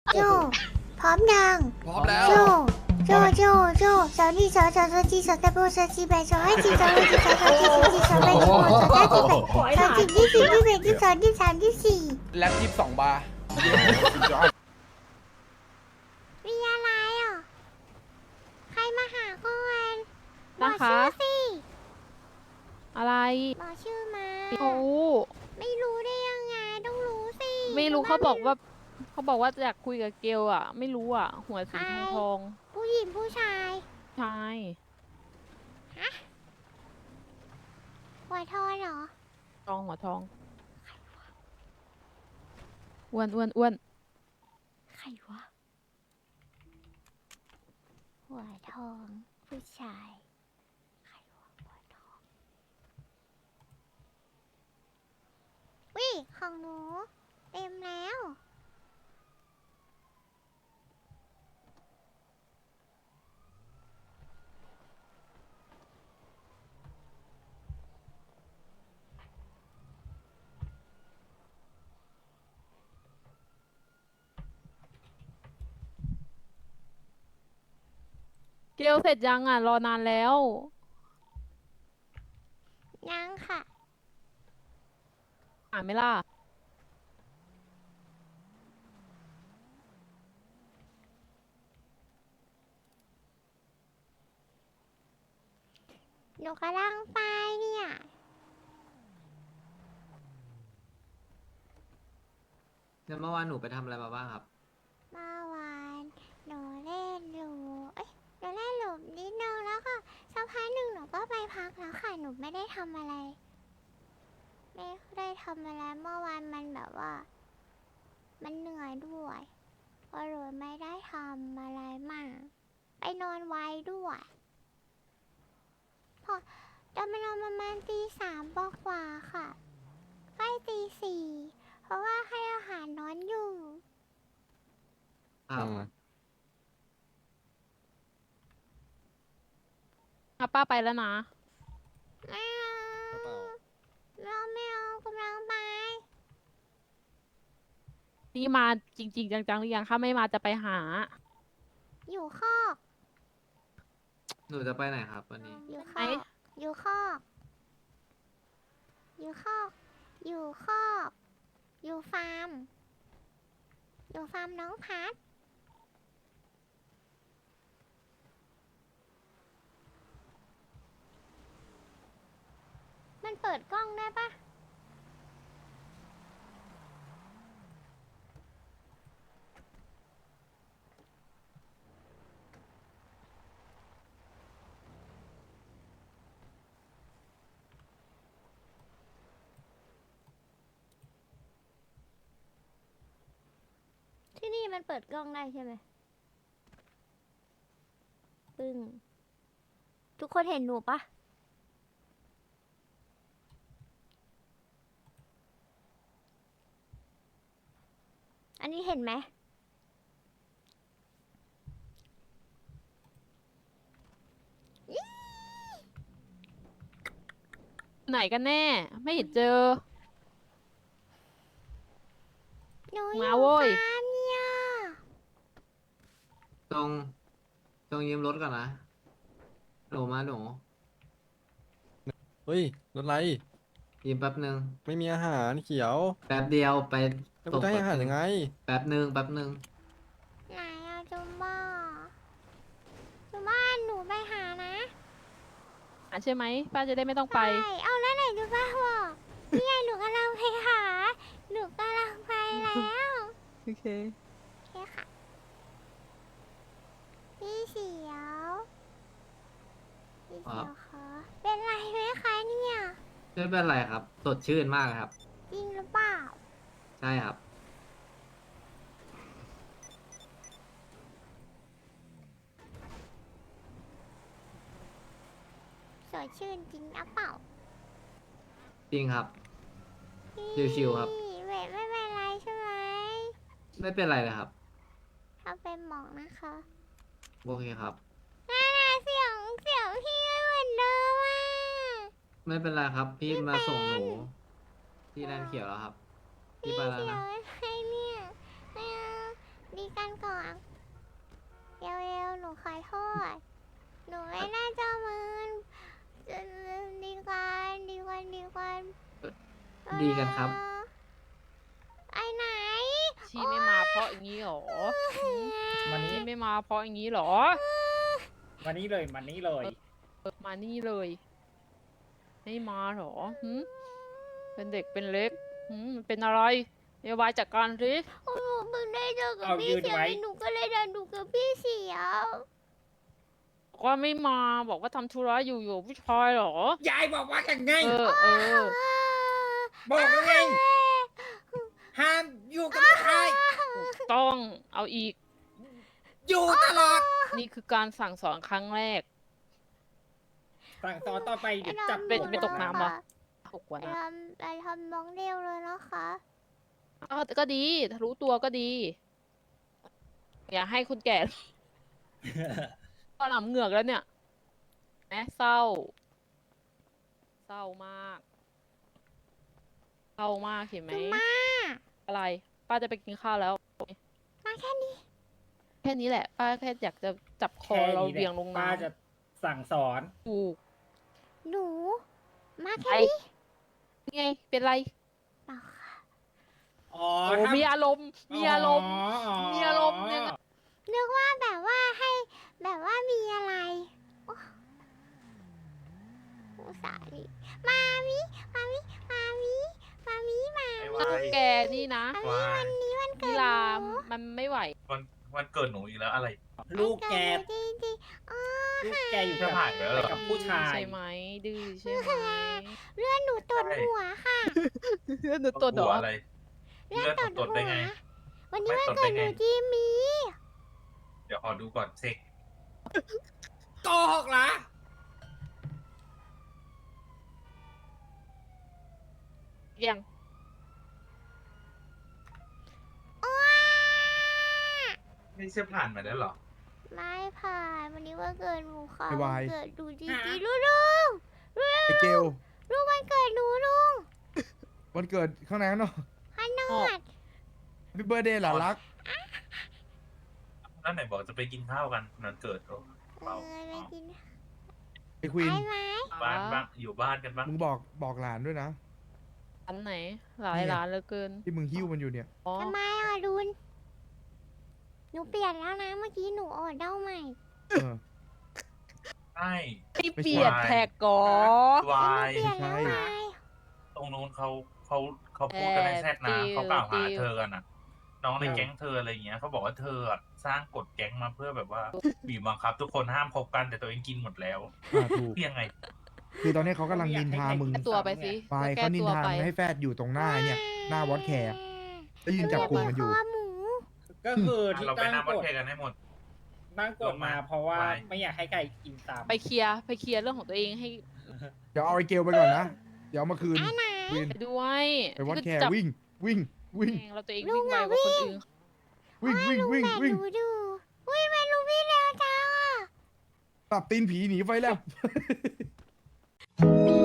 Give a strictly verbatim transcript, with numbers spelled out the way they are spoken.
โจพร้อมยังพร้อมแล้วโจโจโจโจสาวนี่สาวสาวสาวจีสาวตะโบสาวจีแบสาวให้จีสาวให้จีสาวสาวจีสาวจีสาวแบสาวสาวจีแบสาวจีที่สี่ที่แบที่สองที่สามที่สี่แล็บยี่สิบสองบาร์มีอะไรอ่ะใครมาหาก่อนบอนะกคะชื่อสิอะไรบอกชื่อมาโอ้ไม่รู้ได้ยังไงต้องรู้สิไม่รู้เขาบอกว่าเขาบอกว่าอยากคุยกับเกลอ่ะ ไม่รู้อ่ะ หัวสีทองทองผู้หญิงผู้ชายใช่หัวทอนเหรอทองหัวทองอ้วนอ้วนอ้วนใครวะหัวทองผู้ชายใครวะหัวทองวิของหนูเต็มแล้วเกลเสร็จยังอ่ะ รอนานแล้วยังค่ะอ่านไหม่ล่ะหนูกำลังไปเนี่ยแล้วเมื่อวานหนูไปทำอะไรมาบ้างครับเมื่อวานหนูเล่นหลูเอ้ยหนูเล่นหลูนิดนึงแล้วก็สักพักหนึ่งหนูก็ไปพักแล้วค่ะ หนูไม่ได้ทำอะไร ไม่ได้ทำอะไรเมื่อวานมันแบบว่า มันเหนื่อยด้วยก็เลยไม่ได้ทำอะไรมาก ไปนอนไวด้วย พอจะมานอนประมาณตีสามกว่าๆค่ะ ใกล้ตีสี่เพราะว่าให้อาหารนอนอยู่ครับอ่ะป้าไปแล้วนะไม่เอาเราไม่เอากำลังไปนี่มาจริง ๆ จังๆหรือยังถ้าไม่มาจะไปหาอยู่คอกหนูจะไปไหนครับวันนี้อยู่คไหนอกอยู่คอก อยู่คอก อยู่คอก อยู่ฟาร์ม อยู่ฟาร์มน้องพัด มันเปิดกล้องได้ปะที่นี่มันเปิดกล้องได้ใช่ไหมปึ้ง ทุกคนเห็นหนูปะ อันนี้เห็นไหมไหนกันแน่ ไม่เห็นเจอหนูอมายู่โว้ยฟาร์มเนี่ยตรง ตรงยืมรถก่อนนะ หนูมาหนูเฮ้ยรถไรยืมแป๊บหนึ่งไม่มีอาหารเขียวแป๊บเดียวไปแล้วกูจะให้อาหารยังไงแป๊บหนึ่งแป๊บหนึ่งไหนอะจุมบ้าจุมบ้าหนูไปหานะอ่ะใช่ไหมป้าจะได้ไม่ต้องไปใช่เอาแล้วไหนจุมบ้าบอกนี่ไงหนูกำลังไปหา หนูกำลังไปแล้วโอเคโอเคค่ะ พี่เสียวพี่เสียวคะเป็นไรไหมคะเนี่ยไม่เป็นไรครับ สดชื่นมากเลยครับจริงหรือเปล่าใช่ครับสดชื่นจริงหรือเปล่าจริงครับพี่ชิวๆครับไม่ไม่เป็นไรใช่ไหมไม่เป็นไรเลยครับถ้าเป็นหมอกนะคะโอเคครับน่าน่าเสียงเสียงพี่ไม่เหมือนเดิมอ่ะไม่เป็นไรครับ พี่มาส่งหนู ที่แลนด์เขียวแล้วครับ พี่พี่ไปแล้วเสียงนะอะไรเนี่ยไม่เอาดีกันก่อนเร็วๆหนูขอโทษหนูไม่น่าจะมึนจะดีกันดีกันดีกันดีกันครับไอ้ไหนชีไม่มาเพราะอย่างนี้หรอหืมมานี้ชีไม่มาเพราะอย่างนี้หรอมานี้เลยมานี้เลยเออมานี่เลยไม่มาหรอหืมเป็นเด็กเป็นเล็กหืมมันเป็นอะไรเดี๋ยววายจัดการสิหนูเพิ่งได้เจอกับเอาพี่ยืนเสียวไว้หนูก็เลยเดินดูกับพี่เสียวบอกว่าไม่มาบอกว่าทำธุระอยู่อยู่ผู้ชายเหรอยายบอกว่าอย่างไงเออเออบอกแล้วไงห้ามอยู่กับใครถูกต้องเอาอีกอยู่ตลอดนี่คือการสั่งสอนครั้งแรกสั่งสอนต่อไปเดี๋ยวจับเป็นหัวไม่ตกน้ำเหรอ หกกว่าไปนะทำไปทำน้องเร็วเลยนะคะอ้าวแต่ก็ดีถ้ารู้ตัวก็ดี อย่าให้คนแก่ ก็หนำเหงือกแล้วเนี่ยแหมเศร้า เศร้ามาก เศร้ามากเห็นไหมมาอะไร ป้าจะไปกินข้าวแล้วมาแค่นี้แค่นี้แหละ ป้าแค่อยากจะจับคอแค่เรานี้แหเบี่ยงลละงป้าน้ำจะสั่งสอนถูกหนู มาแค่ไอ้นี้นี่ไง เป็นไรเปล่าค่ะอ๋อโอ้ถ้ามีอารมณ์ มีอารมณ์อ๋อมีอารมณ์ยังไงนึกว่าแบบว่าให้แบบว่ามีอะไรโอ้อุตส่าห์นี่มามิมามิมามิมามิมาไอ้มิวายแกนี่นะมามิวายวันนี้วันเกินิดลาหนูมันไม่ไหววันวันเกิดหนูอีกแล้วอะไรลูกแกวันเดหนูจริงๆอ๋อลูกแกอยู่จะกับผ่านไปแล้วเหรอกับผู้ชายใช่ไหม ดื้อใช่ไหมเลื่อนหนูตดหัวค่ะหนูตัวดหัอวกอะไรเลื่อนเลื่อนตตดดตดได้หัวไงวันนี้ไม่วันตดเกิได้ดหไงนูจีมีเดี๋ยวขอดูก่อนเซ็กโกหกเหรอยังไม่ใช่ผ่านมาแล้วเหรอไม่ผ่านวันนี้วันเกิดหนูค่ะไอ้วายวันเกิดหนูจริงๆลุงลุงลุงไอเกลลุงวันเกิดหนูลุงวันเกิดข้างในเนาะขนอดพี่เบอร์เดย์หลานรักแล้วไหนบอกจะไปกินข้าวกันนันเกิดเหรอเออไปกินไอควีนไปไหมบ้านบ้างอยู่บ้านกันบ้างมึงบอกบอกหลานด้วยนะร้านไหน หลายเนี่ยร้านเหลือเกินที่มึงหิ้วมันอยู่เนี่ยอ๋อทำไมอ่ะลุนหนูเปลี่ยนแล้วนะเมื่อกี้หนูออดเด้าใหม่เออใช่ไม่ไม่ใช่เปลี่ยนแท็กก่อวายเปลี่ยนแล้วไม่ไงใช่ตรงนู้นเขาเขาเขาพูดกันในแชทนะเขากล่าวหาเธอกันนะน้องในแก๊งเธออะไรอย่างเงี้ยเขาบอกว่าเธออะสร้างกฎแก๊งมาเพื่อแบบว่าบีบบังคับ ทุกคนห้ามคบกันแต่ตัวเองกินหมดแล้วอ่าถูกเพียงไงคือตอนนี้เขากำลังนินทามึงแก้ตัวไปสิไปแก้เขานินตัวทาไปมึงให้แฟดอยู่ตรงหน้าเนี่ย หน้าวอตแคร์แล้วยืนจับกลุ่มกันอยู่คอหมูก็คือที่เราไปตั้งหน้าวัดกฎแค่กันให้หมดตั้งกฎมาเพราะว่าไปไม่อยากให้ใครกินตามไปเคลียร์ไปเคลียร์เรื่องของตัวเองให้เดี๋ยวเอาไอเกลไปก่อนนะ เดี๋ยวเอามาคืนไอ้ไหนวินไปด้วยไปวอตแคร์จับวิ่ง วิ่ง วิ่งเองเราตัวเองลุวิ่งงไวอะกว่าคนวิ่งอื่นวิ่ง วิ่ง วิ่งแต่วิ่งหนูดูวิ่งไปลุงวิ่งเร็วจังอ่ะปรับตีนผีหนีไฟแล้วมี